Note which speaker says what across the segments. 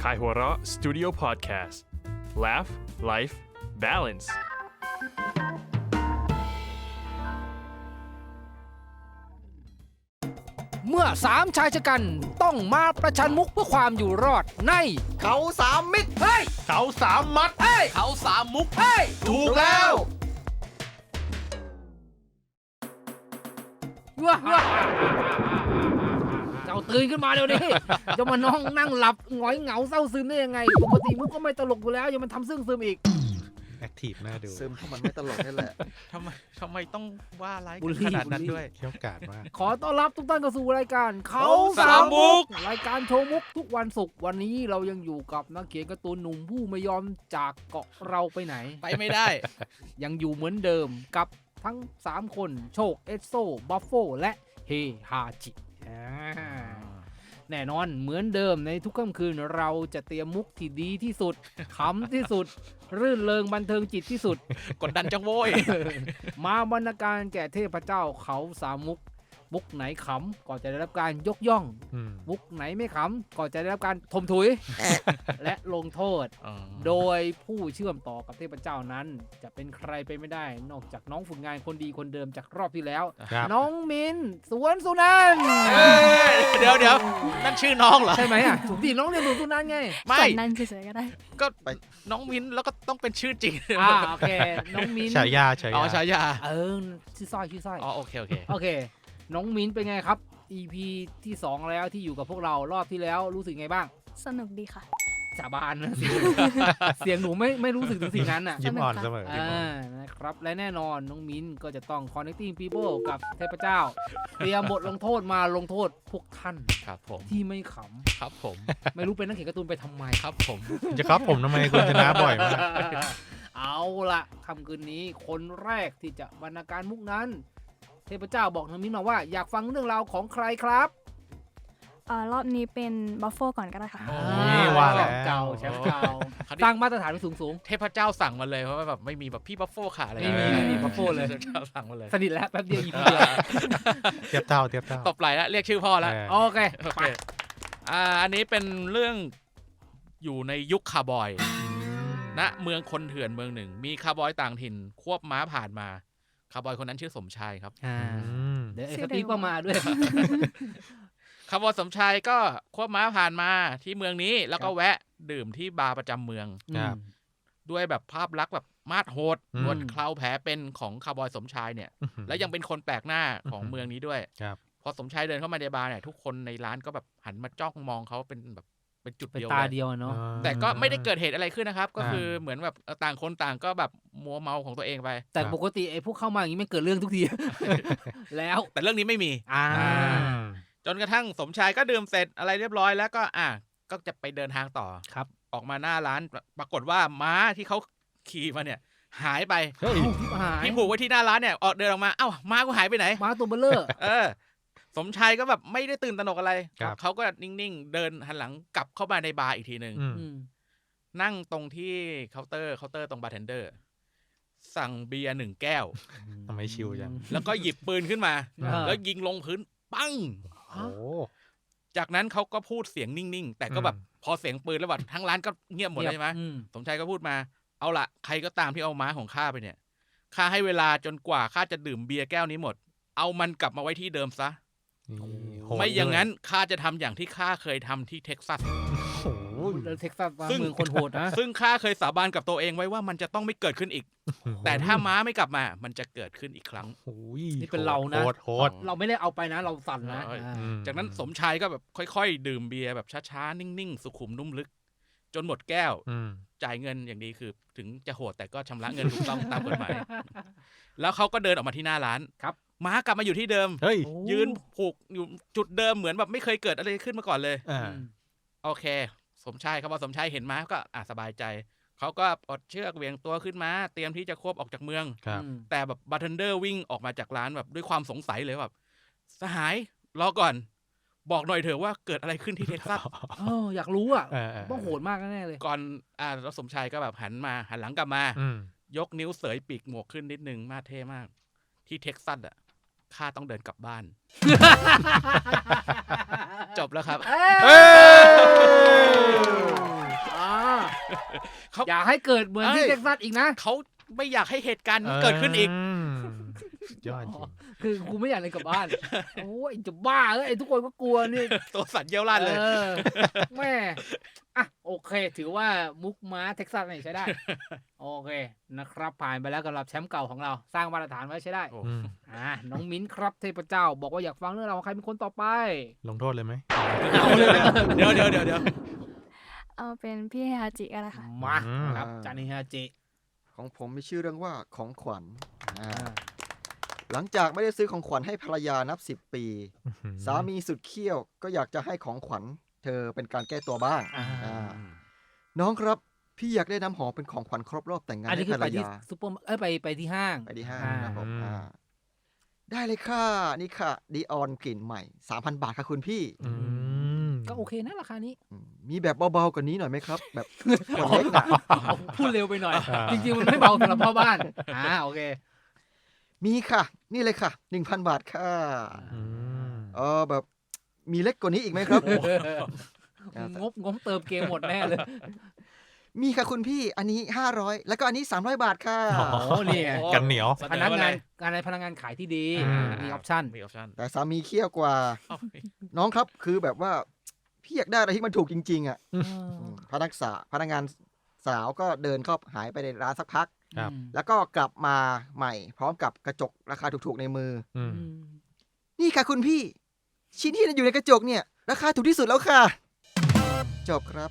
Speaker 1: Kaihura Studio Podcast Laugh Life Balance
Speaker 2: เมื่อสามชายชะกันต้องมาประชันมุกเพื่อความอยู่รอดใน
Speaker 3: เขาสามมิตร
Speaker 2: เฮ้ย
Speaker 1: เขาสามมัด
Speaker 2: เฮ้ย
Speaker 3: เขาสามมุก
Speaker 2: เฮ้ย
Speaker 3: ถูกแล้ว
Speaker 2: ว้าเจ้าตื่นขึ้นมาเดี๋ยวนี้จะมาน้องนั่งหลับหงอยเหงาเศร้าซึมได้ยังไงปกติมุกก็ไม่ตลกอยู่แล้วยังมันทำซึ่งซึมอีก
Speaker 4: แอคทีฟน่าดู
Speaker 3: ซึมเพราะมันไม่ตลกนี่แหละ
Speaker 5: ทำไมต้องว่าร้าย
Speaker 2: บูล
Speaker 5: กัน
Speaker 2: ลี่
Speaker 5: ขนาดนั้นด้วย
Speaker 4: เขี้ยวกาดมาก
Speaker 2: ขอต้อนรับทุกท่านเข้าสู่รายการเขา
Speaker 5: สามมุก
Speaker 2: รายการโชว์มุกทุกวันศุกร์วันนี้เรายังอยู่กับนักเขียนการ์ตูนหนุ่มผู้ไม่ยอมจากเกาะเราไปไหน
Speaker 5: ไปไม่ได้
Speaker 2: ยังอยู่เหมือนเดิมกับทั้ง 3 คนโชคเอสโซบัฟโฟและเฮฮาจิแน่นอนเหมือนเดิมในทุกค่ำคืนเราจะเตรียมมุกที่ดีที่สุด ขำที่สุด รื่นเริงบันเทิงจิตที่สุด
Speaker 5: กดดันจังโว้ย
Speaker 2: มาบรรณาการแก่เทพเจ้าเขาสามมุกมุกไหนขำก็จะได้รับการยกย่อง มุกไหนไม่ขำก็จะได้รับการทมถุย และลงโทษ โดยผู้เชื่อมต่อกับเทพเจ้านั้นจะเป็นใครไปไม่ได้ นอกจากน้องฝึกงานคนดีคนเดิมจากรอบที่แล้ว
Speaker 4: ครับ
Speaker 2: น้องมินสวนสุนันท์
Speaker 5: เดี๋ยวนั่นชื่อน้องเหรอ
Speaker 2: ใช่ไหมอ่ะถูกที่น้องเรียนสวนสุนันท์ไง
Speaker 5: ไม่
Speaker 6: ส่วนนั้นเฉยๆก็ได้
Speaker 5: ก็น้องมิ้นแล้วก็ต้องเป็นชื่อจริง
Speaker 2: โอเคน้องมิน
Speaker 4: ฉายา
Speaker 5: อ๋อฉายา
Speaker 2: ชื่อสร้อย
Speaker 5: อ๋อโอเค
Speaker 2: โอเค น้องมินเป็นไงครับ EP ที่ 2 แล้วที่อยู่กับพวกเรารอบที่แล้วรู้สึกไงบ้าง
Speaker 6: สนุกดีค่ะ
Speaker 2: สาบานนะ เสียงหนูไม่รู้สึกถึงสิ่งนั้นอ่ะ
Speaker 4: ยิ้มอ่อนเสมอ
Speaker 2: นะครับและแน่นอนน้องมิ้นก็จะต้อง connecting people กับเทพเจ้า เตรียมบทลงโทษมาลงโทษพวกท่าน
Speaker 5: ครับผม
Speaker 2: ที่ไม่ข
Speaker 5: ครับผม
Speaker 2: ำ ไม่รู้เป็นนักเขียนการ์ตูนไปทำไม
Speaker 5: ครับผม
Speaker 4: จะครับผมทำไมคุณชนะบ่อยมาก
Speaker 2: เอาละค่ำคืนนี้คนแรกที่จะบรรณาการมุกนั้น เทพเจ้าบอกน้องมิ้นมาว่าอยากฟังเรื่องราวของใครครับ
Speaker 6: รอบนี้เป็นบัฟเฟก่อนก็ได้ค่ะ
Speaker 4: นี่ว่าแล้ว
Speaker 2: แชมป์เก่าสร้างมาตรฐานไปสูง
Speaker 5: เทพเจ้าสั่งมาเลยเพราะว่าแบบไม่มีแบบพี่บัฟโฟขาอะไร
Speaker 2: ไม่มีบัฟโฟเลย
Speaker 5: เทพเจ้าสั่งมาเลย
Speaker 2: ๆสนิทแล้วแป๊บเดียว EP เดียว
Speaker 4: เทียบเท่า
Speaker 5: ตบไหลแล้วเรียกชื่อพ่อแล้ว
Speaker 2: โอเค
Speaker 5: โอเคอันนี้เป็นเรื่องอยู่ในยุคคาร์บอยณเมืองคนเถื่อนเมืองหนึ่ง มีคาร์บอยต่างถิ่นควบม้าผ่านมาคาร์บอยคนนั้นชื่อสมชายครับ
Speaker 2: เดี๋ยวไอ้สตีฟก็มาด้วย
Speaker 5: คาร์บอยสมชายก็ควบม้าผ่านมาที่เมืองนี้แล้วก็แวะดื่มที่บาร์ประจำเมือง
Speaker 4: ครับ
Speaker 5: ด้วยแบบภาพลักษณ์แบบมาดโหดหนวดเคราแผลเป็นของคาร์บอยสมชายเนี่ยและยังเป็นคนแปลกหน้าของเมืองนี้ด้วย
Speaker 4: ครับ
Speaker 5: พอสมชายเดินเข้ามาในบาร์เนี่ยทุกคนในร้านก็แบบหันมาจ้องมองเขาเป็นแบบเป็นจุด
Speaker 2: เป็น
Speaker 5: เดียว
Speaker 2: ตา
Speaker 5: เลย
Speaker 2: เดียวเนาะ
Speaker 5: แต่ก็ไม่ได้เกิดเหตุอะไรขึ้นนะครับ ก็คือเหมือนแบบต่างคนต่างก็แบบมัวเมาของตัวเองไป
Speaker 2: แต่ปกติไอ้พวกเข้ามาอย่างนี้ไม่เกิดเรื่องทุกที แล้ว
Speaker 5: แต่เรื่องนี้ไม่มี จนกระทั่งสมชายก็ดื่มเสร็จอะไรเรียบร้อยแล้วก็ก็จะไปเดินทางต่อ
Speaker 2: ครับ
Speaker 5: ออกมาหน้าร้านปรากฏว่าม้าที่เขาขี่มาเนี่ยหายไป
Speaker 4: เฮ้ย
Speaker 2: หาย
Speaker 5: ที่ผูกไว้ที่หน้าร้านเนี่ยเดินออกมาเอ้าม้ากูหายไปไหน
Speaker 2: มาตัวเบลเลอร์
Speaker 5: สมชายก็แบบไม่ได้ตื่นตระหนกอะไร
Speaker 4: ครับ
Speaker 5: เขาก็นิ่งๆเดินหันหลังกลับเข้ามาในบาร์อีกทีหนึ่ง นั่งตรงที่เคาน์เตอร์ตรงบาร์เทนเดอร์สั่งเบียร์1 แก้ว
Speaker 4: ทำไมชิวจัง
Speaker 5: แล้วก็หยิบปืนขึ้นมา
Speaker 2: อ่า
Speaker 5: แล้วยิงลงพื้นปัง
Speaker 4: โอ้
Speaker 5: จากนั้นเขาก็พูดเสียงนิ่งๆแต่ก็แบบพอเสียงปืนแล้วแบบทั้งร้านก็เงียบหมดเลยใช่ไหมสมชายก็พูดมาเอาละใครก็ตามที่เอาม้าของข้าไปเนี่ยข้าให้เวลาจนกว่าข้าจะดื่มเบียร์แก้วนี้หมดเอามันกลับมาไว้ที่เดิมซะ
Speaker 4: โหด
Speaker 5: ไม่อย่างนั้นข้าจะทำอย่างที่ข้าเคยทำที่เท็กซัส
Speaker 4: โอ้โห
Speaker 2: เท็กซัสเมืองคนโหดนะ
Speaker 5: ซึ่งข้าเคยสาบานกับตัวเองไว้ว่ามันจะต้องไม่เกิดขึ้นอีก แต่ถ้าม้าไม่กลับมามันจะเกิดขึ้นอีกครั้ง
Speaker 4: โอ้ย
Speaker 2: นี่เป็นเรานะ
Speaker 4: โหด
Speaker 2: เราไม่ได้เอาไปนะเราสั่นนะ
Speaker 5: จากนั้นสมชายก็แบบค่อยๆดื่มเบียร์แบบช้าๆนิ่งๆสุขุมนุ่มลึก จนหมดแก้ว จ่ายเงินอย่างดีคือถึงจะโหดแต่ก็ชำระเงินถูกต้องตามกฎหมาย แล้วเขาก็เดินออกมาที่หน้าร้าน
Speaker 2: ครับ
Speaker 5: ม้ากลับมาอยู่ที่เดิม
Speaker 4: เฮ้ย
Speaker 5: ยืนผูกอยู่จุดเดิมเหมือนแบบไม่เคยเกิดอะไรขึ้นมาก่อนเลย โอเค สมชายครับพอสมชายเห็นม้าก็สบายใจเขาก็ปลดเชือกเหวี่ยงตัวขึ้นมาเตรียมที่จะควบออกจากเมือง
Speaker 4: ครับ
Speaker 5: แต่แบบบาร์เทนเดอร์วิ่งออกมาจากร้านแบบด้วยความสงสัยเลยแบบสหายรอก่อน บอกหน่อยเถอะว่าเกิดอะไรขึ้นที่เท็กซัส
Speaker 2: อยากรู้อ่ะ
Speaker 4: เออ
Speaker 2: ต้องโหดมากแน่เลย
Speaker 5: ก่อนแล้วสมชายก็แบบหันหลังกลับมา ยกนิ้วเสยปีกหมวกขึ้นนิดนึงมาเท่มาก ที่เท็กซัสข้าต้องเดินกลับบ้าน จบแล้วครับ
Speaker 2: เอ้ย
Speaker 5: เขา
Speaker 2: อย่าให้เกิดเหมือนที่เท็กซัสอีกนะ
Speaker 5: เขาไม่อยากให้เหตุการณ์นี้เกิดขึ้นอีก
Speaker 4: สุดยอดจริง
Speaker 2: คือกูไม่อยากเลยกลับบ้าน โอ้ยจะบ้าไอ้ทุกคนก็กลัวนี่
Speaker 5: ตัวสั่นเยี่ยวลั่นเลย
Speaker 2: แม่อ่ะโอเค ถือว่ามุกม้าเท็กซัสนี่ใช้ได้ โอเคนะครับ ผ่านไปแล้วสำหรับแชมป์เก่าของเราสร้างมาตรฐานไว้ใช้ได้
Speaker 5: โอ้
Speaker 2: น้องมิ้นครับเทพเจ้า บอกว่าอยากฟังเรื่องราวของใครเป็นคนต่อไป
Speaker 4: ลงโทษเลยไหม
Speaker 2: เอาเลยนะ
Speaker 5: เดี๋ยว
Speaker 6: เอาเป็นพี่ฮาจิกันนะคะ
Speaker 2: มาครับจานิฮาจิ
Speaker 3: ของผมมีชื่อเรื่องว่าของขวัญหลังจากไม่ได้ซื้อของขวัญให้ภรรยานับ10 ปี สามีสุดเขี้ยวก็อยากจะให้ของขวัญเธอเป็นการแก้ตัวบ้าง น้องครับพี่อยากได้น้ำหอมเป็นของขวัญครบรอบแต่งงาน
Speaker 2: อันนี้
Speaker 3: ให้
Speaker 2: คื
Speaker 3: ภ
Speaker 2: อ
Speaker 3: ร
Speaker 2: ไป
Speaker 3: ร
Speaker 2: ที่
Speaker 3: ยา
Speaker 2: ซูเปอร์ไปที่ห้าง
Speaker 3: ไปที่ห้าง
Speaker 2: อ่า
Speaker 3: ครับผมได้เลยค่ะนี่ค่ะดีออนกลิ่นใหม่ 3,000 บาทค่ะคุณพี่
Speaker 2: ก็โอเคนะราคานี้
Speaker 3: มีแบบเบาๆกว่านี้หน่อยไหมครับ แบบขวดเล็กนะ
Speaker 2: พูดเร็วไปหน่อย จริงๆมันไม่เบาสำหรับพ่อบ้านโอเค
Speaker 3: มีค่ะ นี่เลยค่ะ 1,000 บาทค่ะแบบมีเล็กกว่านี้อีกไหมครับ
Speaker 2: งบเติมเกมหมดแน่เลย
Speaker 3: มีค่ะคุณพี่อันนี้500แล้วก็อันนี้300 บาทค่ะ
Speaker 2: โอ้นี่ไง
Speaker 4: กันเหนียว
Speaker 2: พนักงานขายที่ดี มีออปชั่น
Speaker 5: มีออปชั่น
Speaker 3: แต่สามีเคี่ยวกว่า น้องครับคือแบบว่าพี่อยากได้อะไรที่มันถูกจริงๆอ่ะพนักงานสาวก็เดินเข้าหายไปในร้านสักพัก
Speaker 4: ครับ
Speaker 3: แล้วก็กลับมาใหม่ พร้อมกับกระจกราคาถูกๆในมือ นี่ค่ะคุณพี่ ชิ้นที่อยู่ในกระจกเนี่ย ราคาถูกที่สุดแล้วค่ะ จบครับ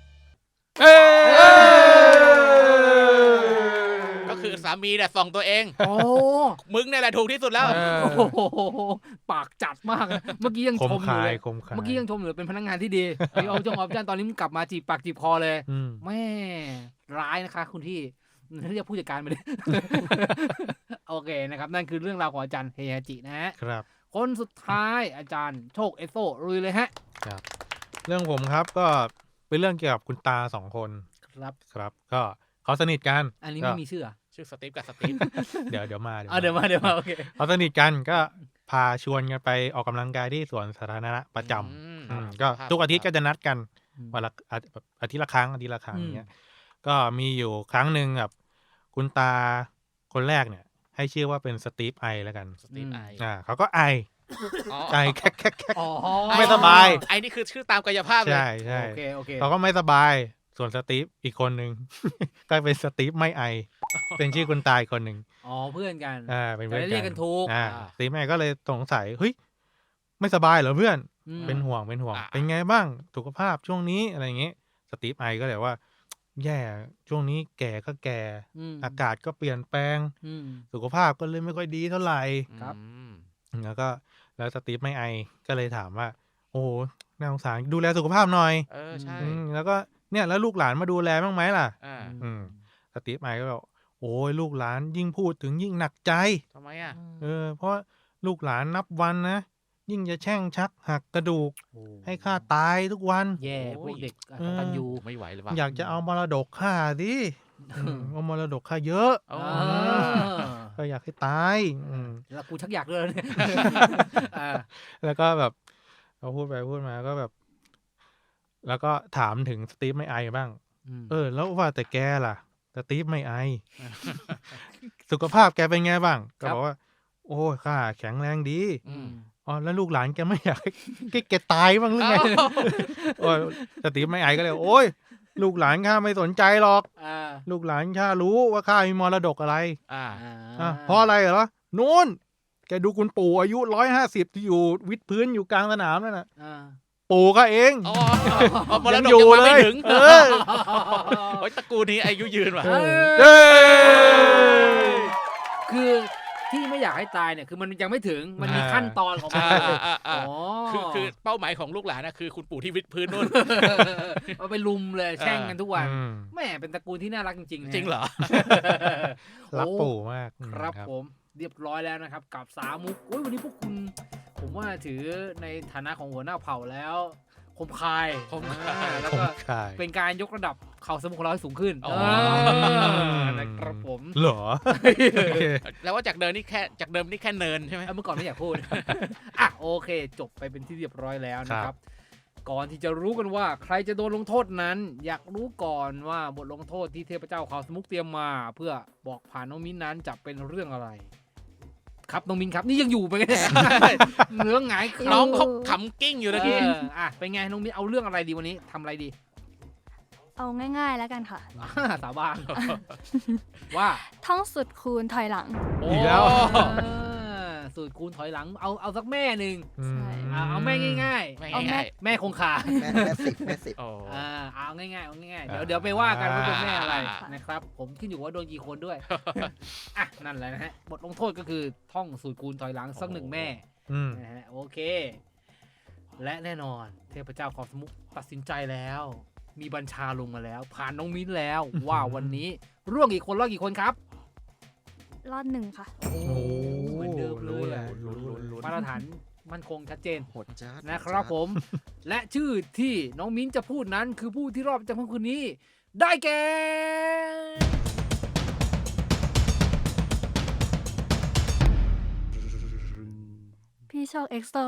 Speaker 5: ก็คือสามีเนี่ยส่องตัวเอง
Speaker 2: โอ้
Speaker 5: มึงเนี่ยแหละถูกที่สุดแล้ว
Speaker 2: โหปากจัดมากนะเมื่อกี้ยัง
Speaker 4: ค
Speaker 2: ช
Speaker 4: ม
Speaker 2: มอยู่
Speaker 4: คาย
Speaker 2: เลย
Speaker 4: คมคาย
Speaker 2: เมื่อกี้ยังชมอยู่เป็นพนักงานที่ดีมีออปชั่นตอนนี้มันกลับมาจีบปากจีบคอเลย แม่ร้ายนะคะคุณที่เรียกผู้จัดการมาดิ โอเคนะครับ นั่นคือเรื่องราวของอาจารย์เฮฮาจินะฮะ
Speaker 4: ครับ
Speaker 2: คนสุดท้ายอาจารย์โชคเอโซลุยเลยฮะ
Speaker 4: เรื่องผมครับก็เป็นเรื่องเกี่ยวกับคุณตา2 คน
Speaker 2: ครับ
Speaker 4: ครับ ก็เขาสนิทกัน
Speaker 2: อันนี้ไม่มีชื่อ
Speaker 5: ชื่อสตีฟกับสตีฟ
Speaker 4: เดี๋ยวมา
Speaker 2: เดี๋ยวมาโอเค
Speaker 4: เขาสนิทกันก็พาชวนกันไปออกกำลังกายที่สวนสาธารณะประจำก็ทุกอาทิตย์ก็จะนัดกันวันละอาทิตย์ละครั้งอย่างเงี้ยก็มีอยู่ครั้งหนึ่งแบบคุณตาคนแรกเนี่ยให้ชื่อว่าเป็นสตีฟไอแล้วกัน
Speaker 5: สตีฟไอ
Speaker 4: เขาก็ไอแค่ไม่สบาย
Speaker 5: ไอนี่คือชื่อตามกายภาพเลย
Speaker 4: ใช่
Speaker 2: โอเค
Speaker 4: เขาก็ไม่สบายส่วนสตีฟอีกคนหนึ่ง ก็เป็นสตีฟไม่ไอ เป็นชื่อคุณตาอีกคนหนึ่ง
Speaker 2: เพื่อนกัน
Speaker 4: เป็นเพื่อน
Speaker 2: จะได้เรียกกันถูก
Speaker 4: สตีฟไม่ก็เลยสงสัยเฮ้ยไม่สบายเหรอเพื่อนเป็นห่วงเป็นไงบ้างสุขภาพช่วงนี้อะไรอย่างเงี้ยสตีฟไอก็เลยว่าแย่ช่วงนี้แก่ก็แก่อากาศก็เปลี่ยนแปลงสุขภาพก็เลยไม่ค่อยดีเท่าไหร่
Speaker 2: ครับ
Speaker 4: แล้วสตีฟไม่ไอก็เลยถามว่าโอ้โหน่าสงสารดูแลสุขภาพหน่อย
Speaker 5: ใช่
Speaker 4: แล้วก็เนี่ยแล้วลูกหลานมาดูแลบ้างไหมล่ะ สตีฟไอก็บอกโอ้ยลูกหลานยิ่งพูดถึงยิ่งหนักใจ
Speaker 5: ทำไมอ่ะ
Speaker 4: เพราะลูกหลานนับวันนะยิ่งจะแช่งชักหักกระดูกให้ข้าตายทุกวัน
Speaker 2: แย่พวกเด็กกตัญญู
Speaker 5: ไม่ไหวเลยว่ะ
Speaker 4: อยากจะเอามรดกข้าดิเอามรดกข้าเยอะก็อยากให้ตาย
Speaker 2: แล้วกูชักอยากเลยเนี่ย
Speaker 4: แล้วก็แบบเขาพูดไปพูดมาก็แบบ แล้วก็ถามถึงสตีฟไม่ไอบ้างแล้วว่าแต่แกล่ะสตีฟไม่ไอ สุขภาพแกเป็นไงบ้างก็บอกว่าโอ้ข้าแข็งแรงดีแล้วลูกหลานแกไม่อยากให้แกตายบ้างหรือไงสตีฟไม่ไอก็เลยโอ้ยลูกหลานข้าไม่สนใจหรอกลูกหลานข้ารู้ว่าข้ามีมรดกอะไรเพราะอะไรเหรอนู้นแกดูคุณปู่อายุ150ที่อยู่วิดพื้นอยู่กลางสนามนั่นน่ะปู่ก็เอง
Speaker 5: มรดกยังมาไม่ถึงตระกูลนี้อายุยืนว่ะ
Speaker 2: คือที่ไม่อยากให้ตายเนี่ยคือมันยังไม่ถึงมันมีขั้นตอนของมัน
Speaker 5: คือเป้าหมายของลูกหลานนะคือคุณปู่ที่วิดพื้นนู่น
Speaker 2: เอาไปลุมเลยแช่งกันทุกวันแม่เป็นตระกูลที่น่ารักจริงๆ
Speaker 5: จริงเหรอ
Speaker 4: รักปู่มาก
Speaker 2: ครับผมเรียบร้อยแล้วนะครับกับ3 มุกวันนี้พวกคุณผมว่าถือในฐานะของหัวหน้าเผ่าแล้วคมคายแล้วก็เป็นการยกระดับเข่าสมุขเราให้สูงขึ้นนะครับผม
Speaker 4: เหรอ
Speaker 5: แล้วว่าจากเดิมนี่แค่เนินใช่ไหม
Speaker 2: เมื่อก่อนไม่อยากพูดโอเคจบไปเป็นที่เรียบร้อยแล้วนะครับก่อนที่จะรู้กันว่าใครจะโดนลงโทษนั้น อยากรู้ก่อนว่าบทลงโทษที่เทพเจ้าเขาสมุกเตรียมมา เพื่อบอกผ่านน้องมิ้นนั้นจะเป็นเรื่องอะไร ครับน้องมิ้นครับนี่ยังอยู่ไปกันเนื้อหงาย
Speaker 5: น้องเขาขำกิ้งอยู่ตะกี้
Speaker 2: เป็นไงน้องมิ้นเอาเรื่องอะไรดีวันนี้ทำอะไรดี
Speaker 6: เอาง่ายๆแล้วกันค่ะ
Speaker 2: สาบานว่า
Speaker 6: ท่องสุดคูณถอยหลัง
Speaker 4: อีกแล้ว
Speaker 2: สูตรคูณถอยหลังเอาสักแม่หนึ่ง
Speaker 6: ใช่
Speaker 2: เอาแม่ง่าย
Speaker 5: ไม่
Speaker 6: เอาแม่
Speaker 5: ง่าย
Speaker 2: ๆ แม่คงคา
Speaker 3: แม่สิบ
Speaker 5: ๆโอ้
Speaker 2: เอาง่ายๆเอาง่ายๆเดี๋ยวไปว่ากันว่าเป็นแม่อะไร
Speaker 5: อ่า
Speaker 2: นะครับ ผมขึ้นอยู่ว่าโดนกี่คนด้วย อ่ะนั่นแหละนะฮะบทลงโทษก็คือท่องสูตรคูณถอยหลังสักหนึ่งแม่
Speaker 4: อืม
Speaker 2: นะฮะโอเค และแน่นอนเทพเจ้าของสมุกตัดสินใจแล้ว มีบัญชาลงมาแล้ว ผ่านน้องมิ้นแล้วว่าวันนี้ร่วงกี่คนรอดกี่คนครับ
Speaker 6: รอดหนึ่งค่ะ
Speaker 2: โอ้เหมือนเดิมเล
Speaker 4: รู้
Speaker 2: ย
Speaker 4: แหละ
Speaker 2: อะมาตรฐานมั่นคงชัดเจน
Speaker 3: โหดจ้า
Speaker 2: นะครับผม และชื่อที่น้องมิ้นจะพูดนั้นคือผู้ที่รอบจากคืนนี้ ได้แก่
Speaker 6: พี่โชคเอ็กโซ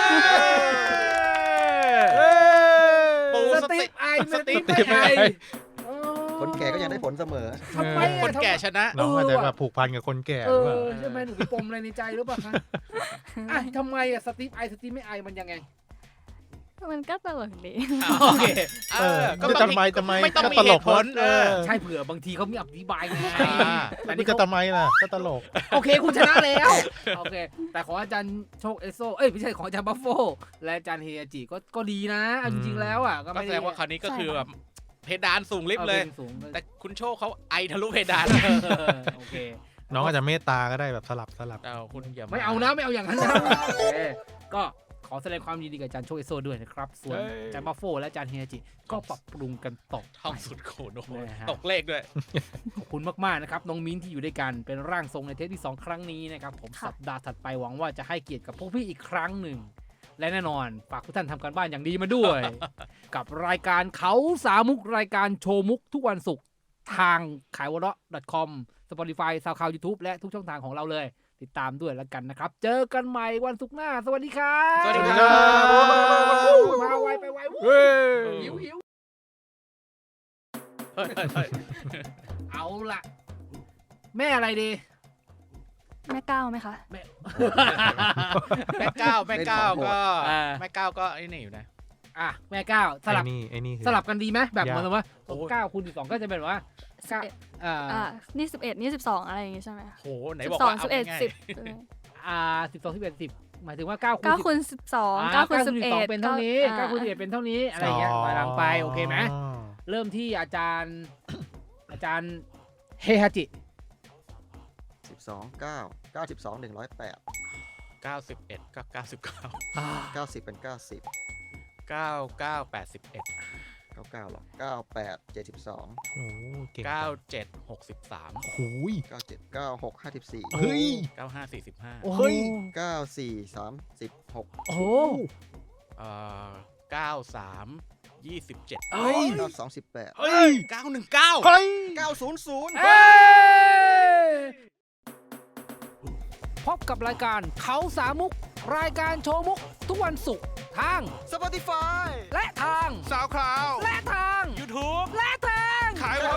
Speaker 5: ปู
Speaker 2: ส
Speaker 5: ส
Speaker 2: ตี
Speaker 5: ติ
Speaker 2: ฟไอ
Speaker 5: สตีฟ
Speaker 2: ไอ
Speaker 3: คนแก่ก็ยังได้ผลเสมอ
Speaker 2: ทำไม
Speaker 5: คนแก่ชนะ
Speaker 4: น้องอาจจะแบบผูกพันกับคนแก่
Speaker 2: เอ
Speaker 4: หรือเปล่า
Speaker 2: อใช่ไหมหนูมีปมอะไรในใจหรือเปล่าคะอ่ะทำไมอะสตีฟไอสตีฟไม่ไอมันยังไง
Speaker 6: มันก็ตลกดี
Speaker 2: โอเค
Speaker 4: เออ
Speaker 5: ก็
Speaker 4: จะ
Speaker 5: ต้อง
Speaker 4: ทำไมทำไม
Speaker 5: ไม่ต้อง
Speaker 4: ก็
Speaker 5: มี
Speaker 4: ต
Speaker 5: เห
Speaker 4: ลก
Speaker 5: ตุผล
Speaker 2: ใช่เผื่อบางทีเขามีอธิบายไง
Speaker 4: แต่นี่จะทำไมล่ะก็ตลก
Speaker 2: โอเคคุณชนะแล้วโอเค แต่ของอาจารย์โชคเอสโซไม่ใช่ของอาจารย์บัฟโฟและอาจารย์เฮียจิก็ดีนะเอาจริงๆแล้วอ่ะก็
Speaker 5: ก็
Speaker 2: ไม่
Speaker 5: แสดงว่าคราวนี้ก็คือ
Speaker 6: ใช่
Speaker 5: แบบเพดานสูงลิฟต์เลย
Speaker 2: สูง
Speaker 5: แต่คุณโชคเขาไอทะลุเพดาน
Speaker 2: โอเค
Speaker 4: น้องอาจจะเมตตาก็ได้แบบสลับ
Speaker 5: เอาคุณอย่า
Speaker 2: ไม่เอานะไม่เอาอย่างนั้นนะโอเคก็ขอแสดงความยินดีกับอาจารย์โชคเอสโซด้วยนะครับส่วนอาจารย์บัฟโฟและอาจารย์เฮียจิก็ปรับปรุงกันต่อ
Speaker 5: ท่องสุดโขนโอ้โห
Speaker 2: นะฮะ
Speaker 5: ตกเลขด้วย
Speaker 2: ขอบคุณมากๆนะครับน้องมิ้นที่อยู่ด้วยกันเป็นร่างทรงในเทปที่ 2 ครั้งนี้นะครับผม
Speaker 6: ค่ะ
Speaker 2: สัปดาห์ถัดไปหวังว่าจะให้เกียรติกับพวกพี่อีกครั้งหนึ่ง และแน่นอนฝากทุกท่านทำการบ้านอย่างดีมาด้วย กับรายการเขาสามุกรายการโชว์มุกทุกวันศุกร์ทางขายวเราะ .com Spotify SoundCloud YouTube และทุกช่องทางของเราเลย ติดตามด้วยแล้วกันนะครับ เจอกันใหม่วันศุกร์หน้า สวัสดีครับ
Speaker 5: สวัสดีครับ
Speaker 2: มาไวไปไว
Speaker 4: เฮ้ย
Speaker 2: หิว
Speaker 5: เฮ้ย
Speaker 2: เอาล่ะ แม่อะไรดี
Speaker 6: แม่ก้าวไหมคะ
Speaker 5: แม่ก้าวก็
Speaker 2: อ่า
Speaker 5: แม่ก้าวก็ไอ้นี่อยู่นะ
Speaker 2: อ่ะแม่ก้าวสลับ
Speaker 4: ไอ้นี่คือ
Speaker 2: สลับกันดีไหมแบบ
Speaker 4: ยาก
Speaker 2: เหมือนว่า
Speaker 5: โอ้ย
Speaker 2: 9 คูณ 12 ก็จะเป็นว่าเก้า
Speaker 6: นี่11นี่12อะไรอย่างงี้ใช่ไหมคะ
Speaker 5: โหไหนบอกว่าเอา
Speaker 6: 12
Speaker 5: ง่าย
Speaker 6: 11 10
Speaker 2: 12 11 10หมายถึงว่า9คูณ
Speaker 6: 9คูณ12 9คูณ
Speaker 2: 12 เป็นเท่านี้9คูณ
Speaker 6: 11
Speaker 2: 11เป็นเท่านี้อะไรอย่างเงี้ยถอยหลังไปโอเคไหมเริ่มที่อาจารย์ อาจารย์เฮฮาจิ
Speaker 3: 12 9 92 108
Speaker 5: 91ก็99
Speaker 3: 90 เป็น 90
Speaker 5: 99 81
Speaker 3: 99หรอ98 72
Speaker 4: โอ้เก่ง
Speaker 5: 97 63
Speaker 4: โอ้ย
Speaker 3: 97 96 54
Speaker 4: เฮ้ย
Speaker 5: 95 45
Speaker 2: โอ้โห
Speaker 4: เฮ้ย
Speaker 3: 94 36
Speaker 2: โอ้โห
Speaker 5: 93 27
Speaker 2: เอ้ย
Speaker 3: 92 18
Speaker 4: เฮ้ย
Speaker 5: 919
Speaker 4: เฮ้ย
Speaker 3: 900
Speaker 2: เอ้ยพบกับรายการเขาสามุก รายการโชว์มุก ทุกวันศุกร์ทาง
Speaker 3: Spotify
Speaker 2: และทาง
Speaker 1: SoundCloud
Speaker 2: และทาง
Speaker 1: YouTube
Speaker 2: และทาง
Speaker 1: ขายวะ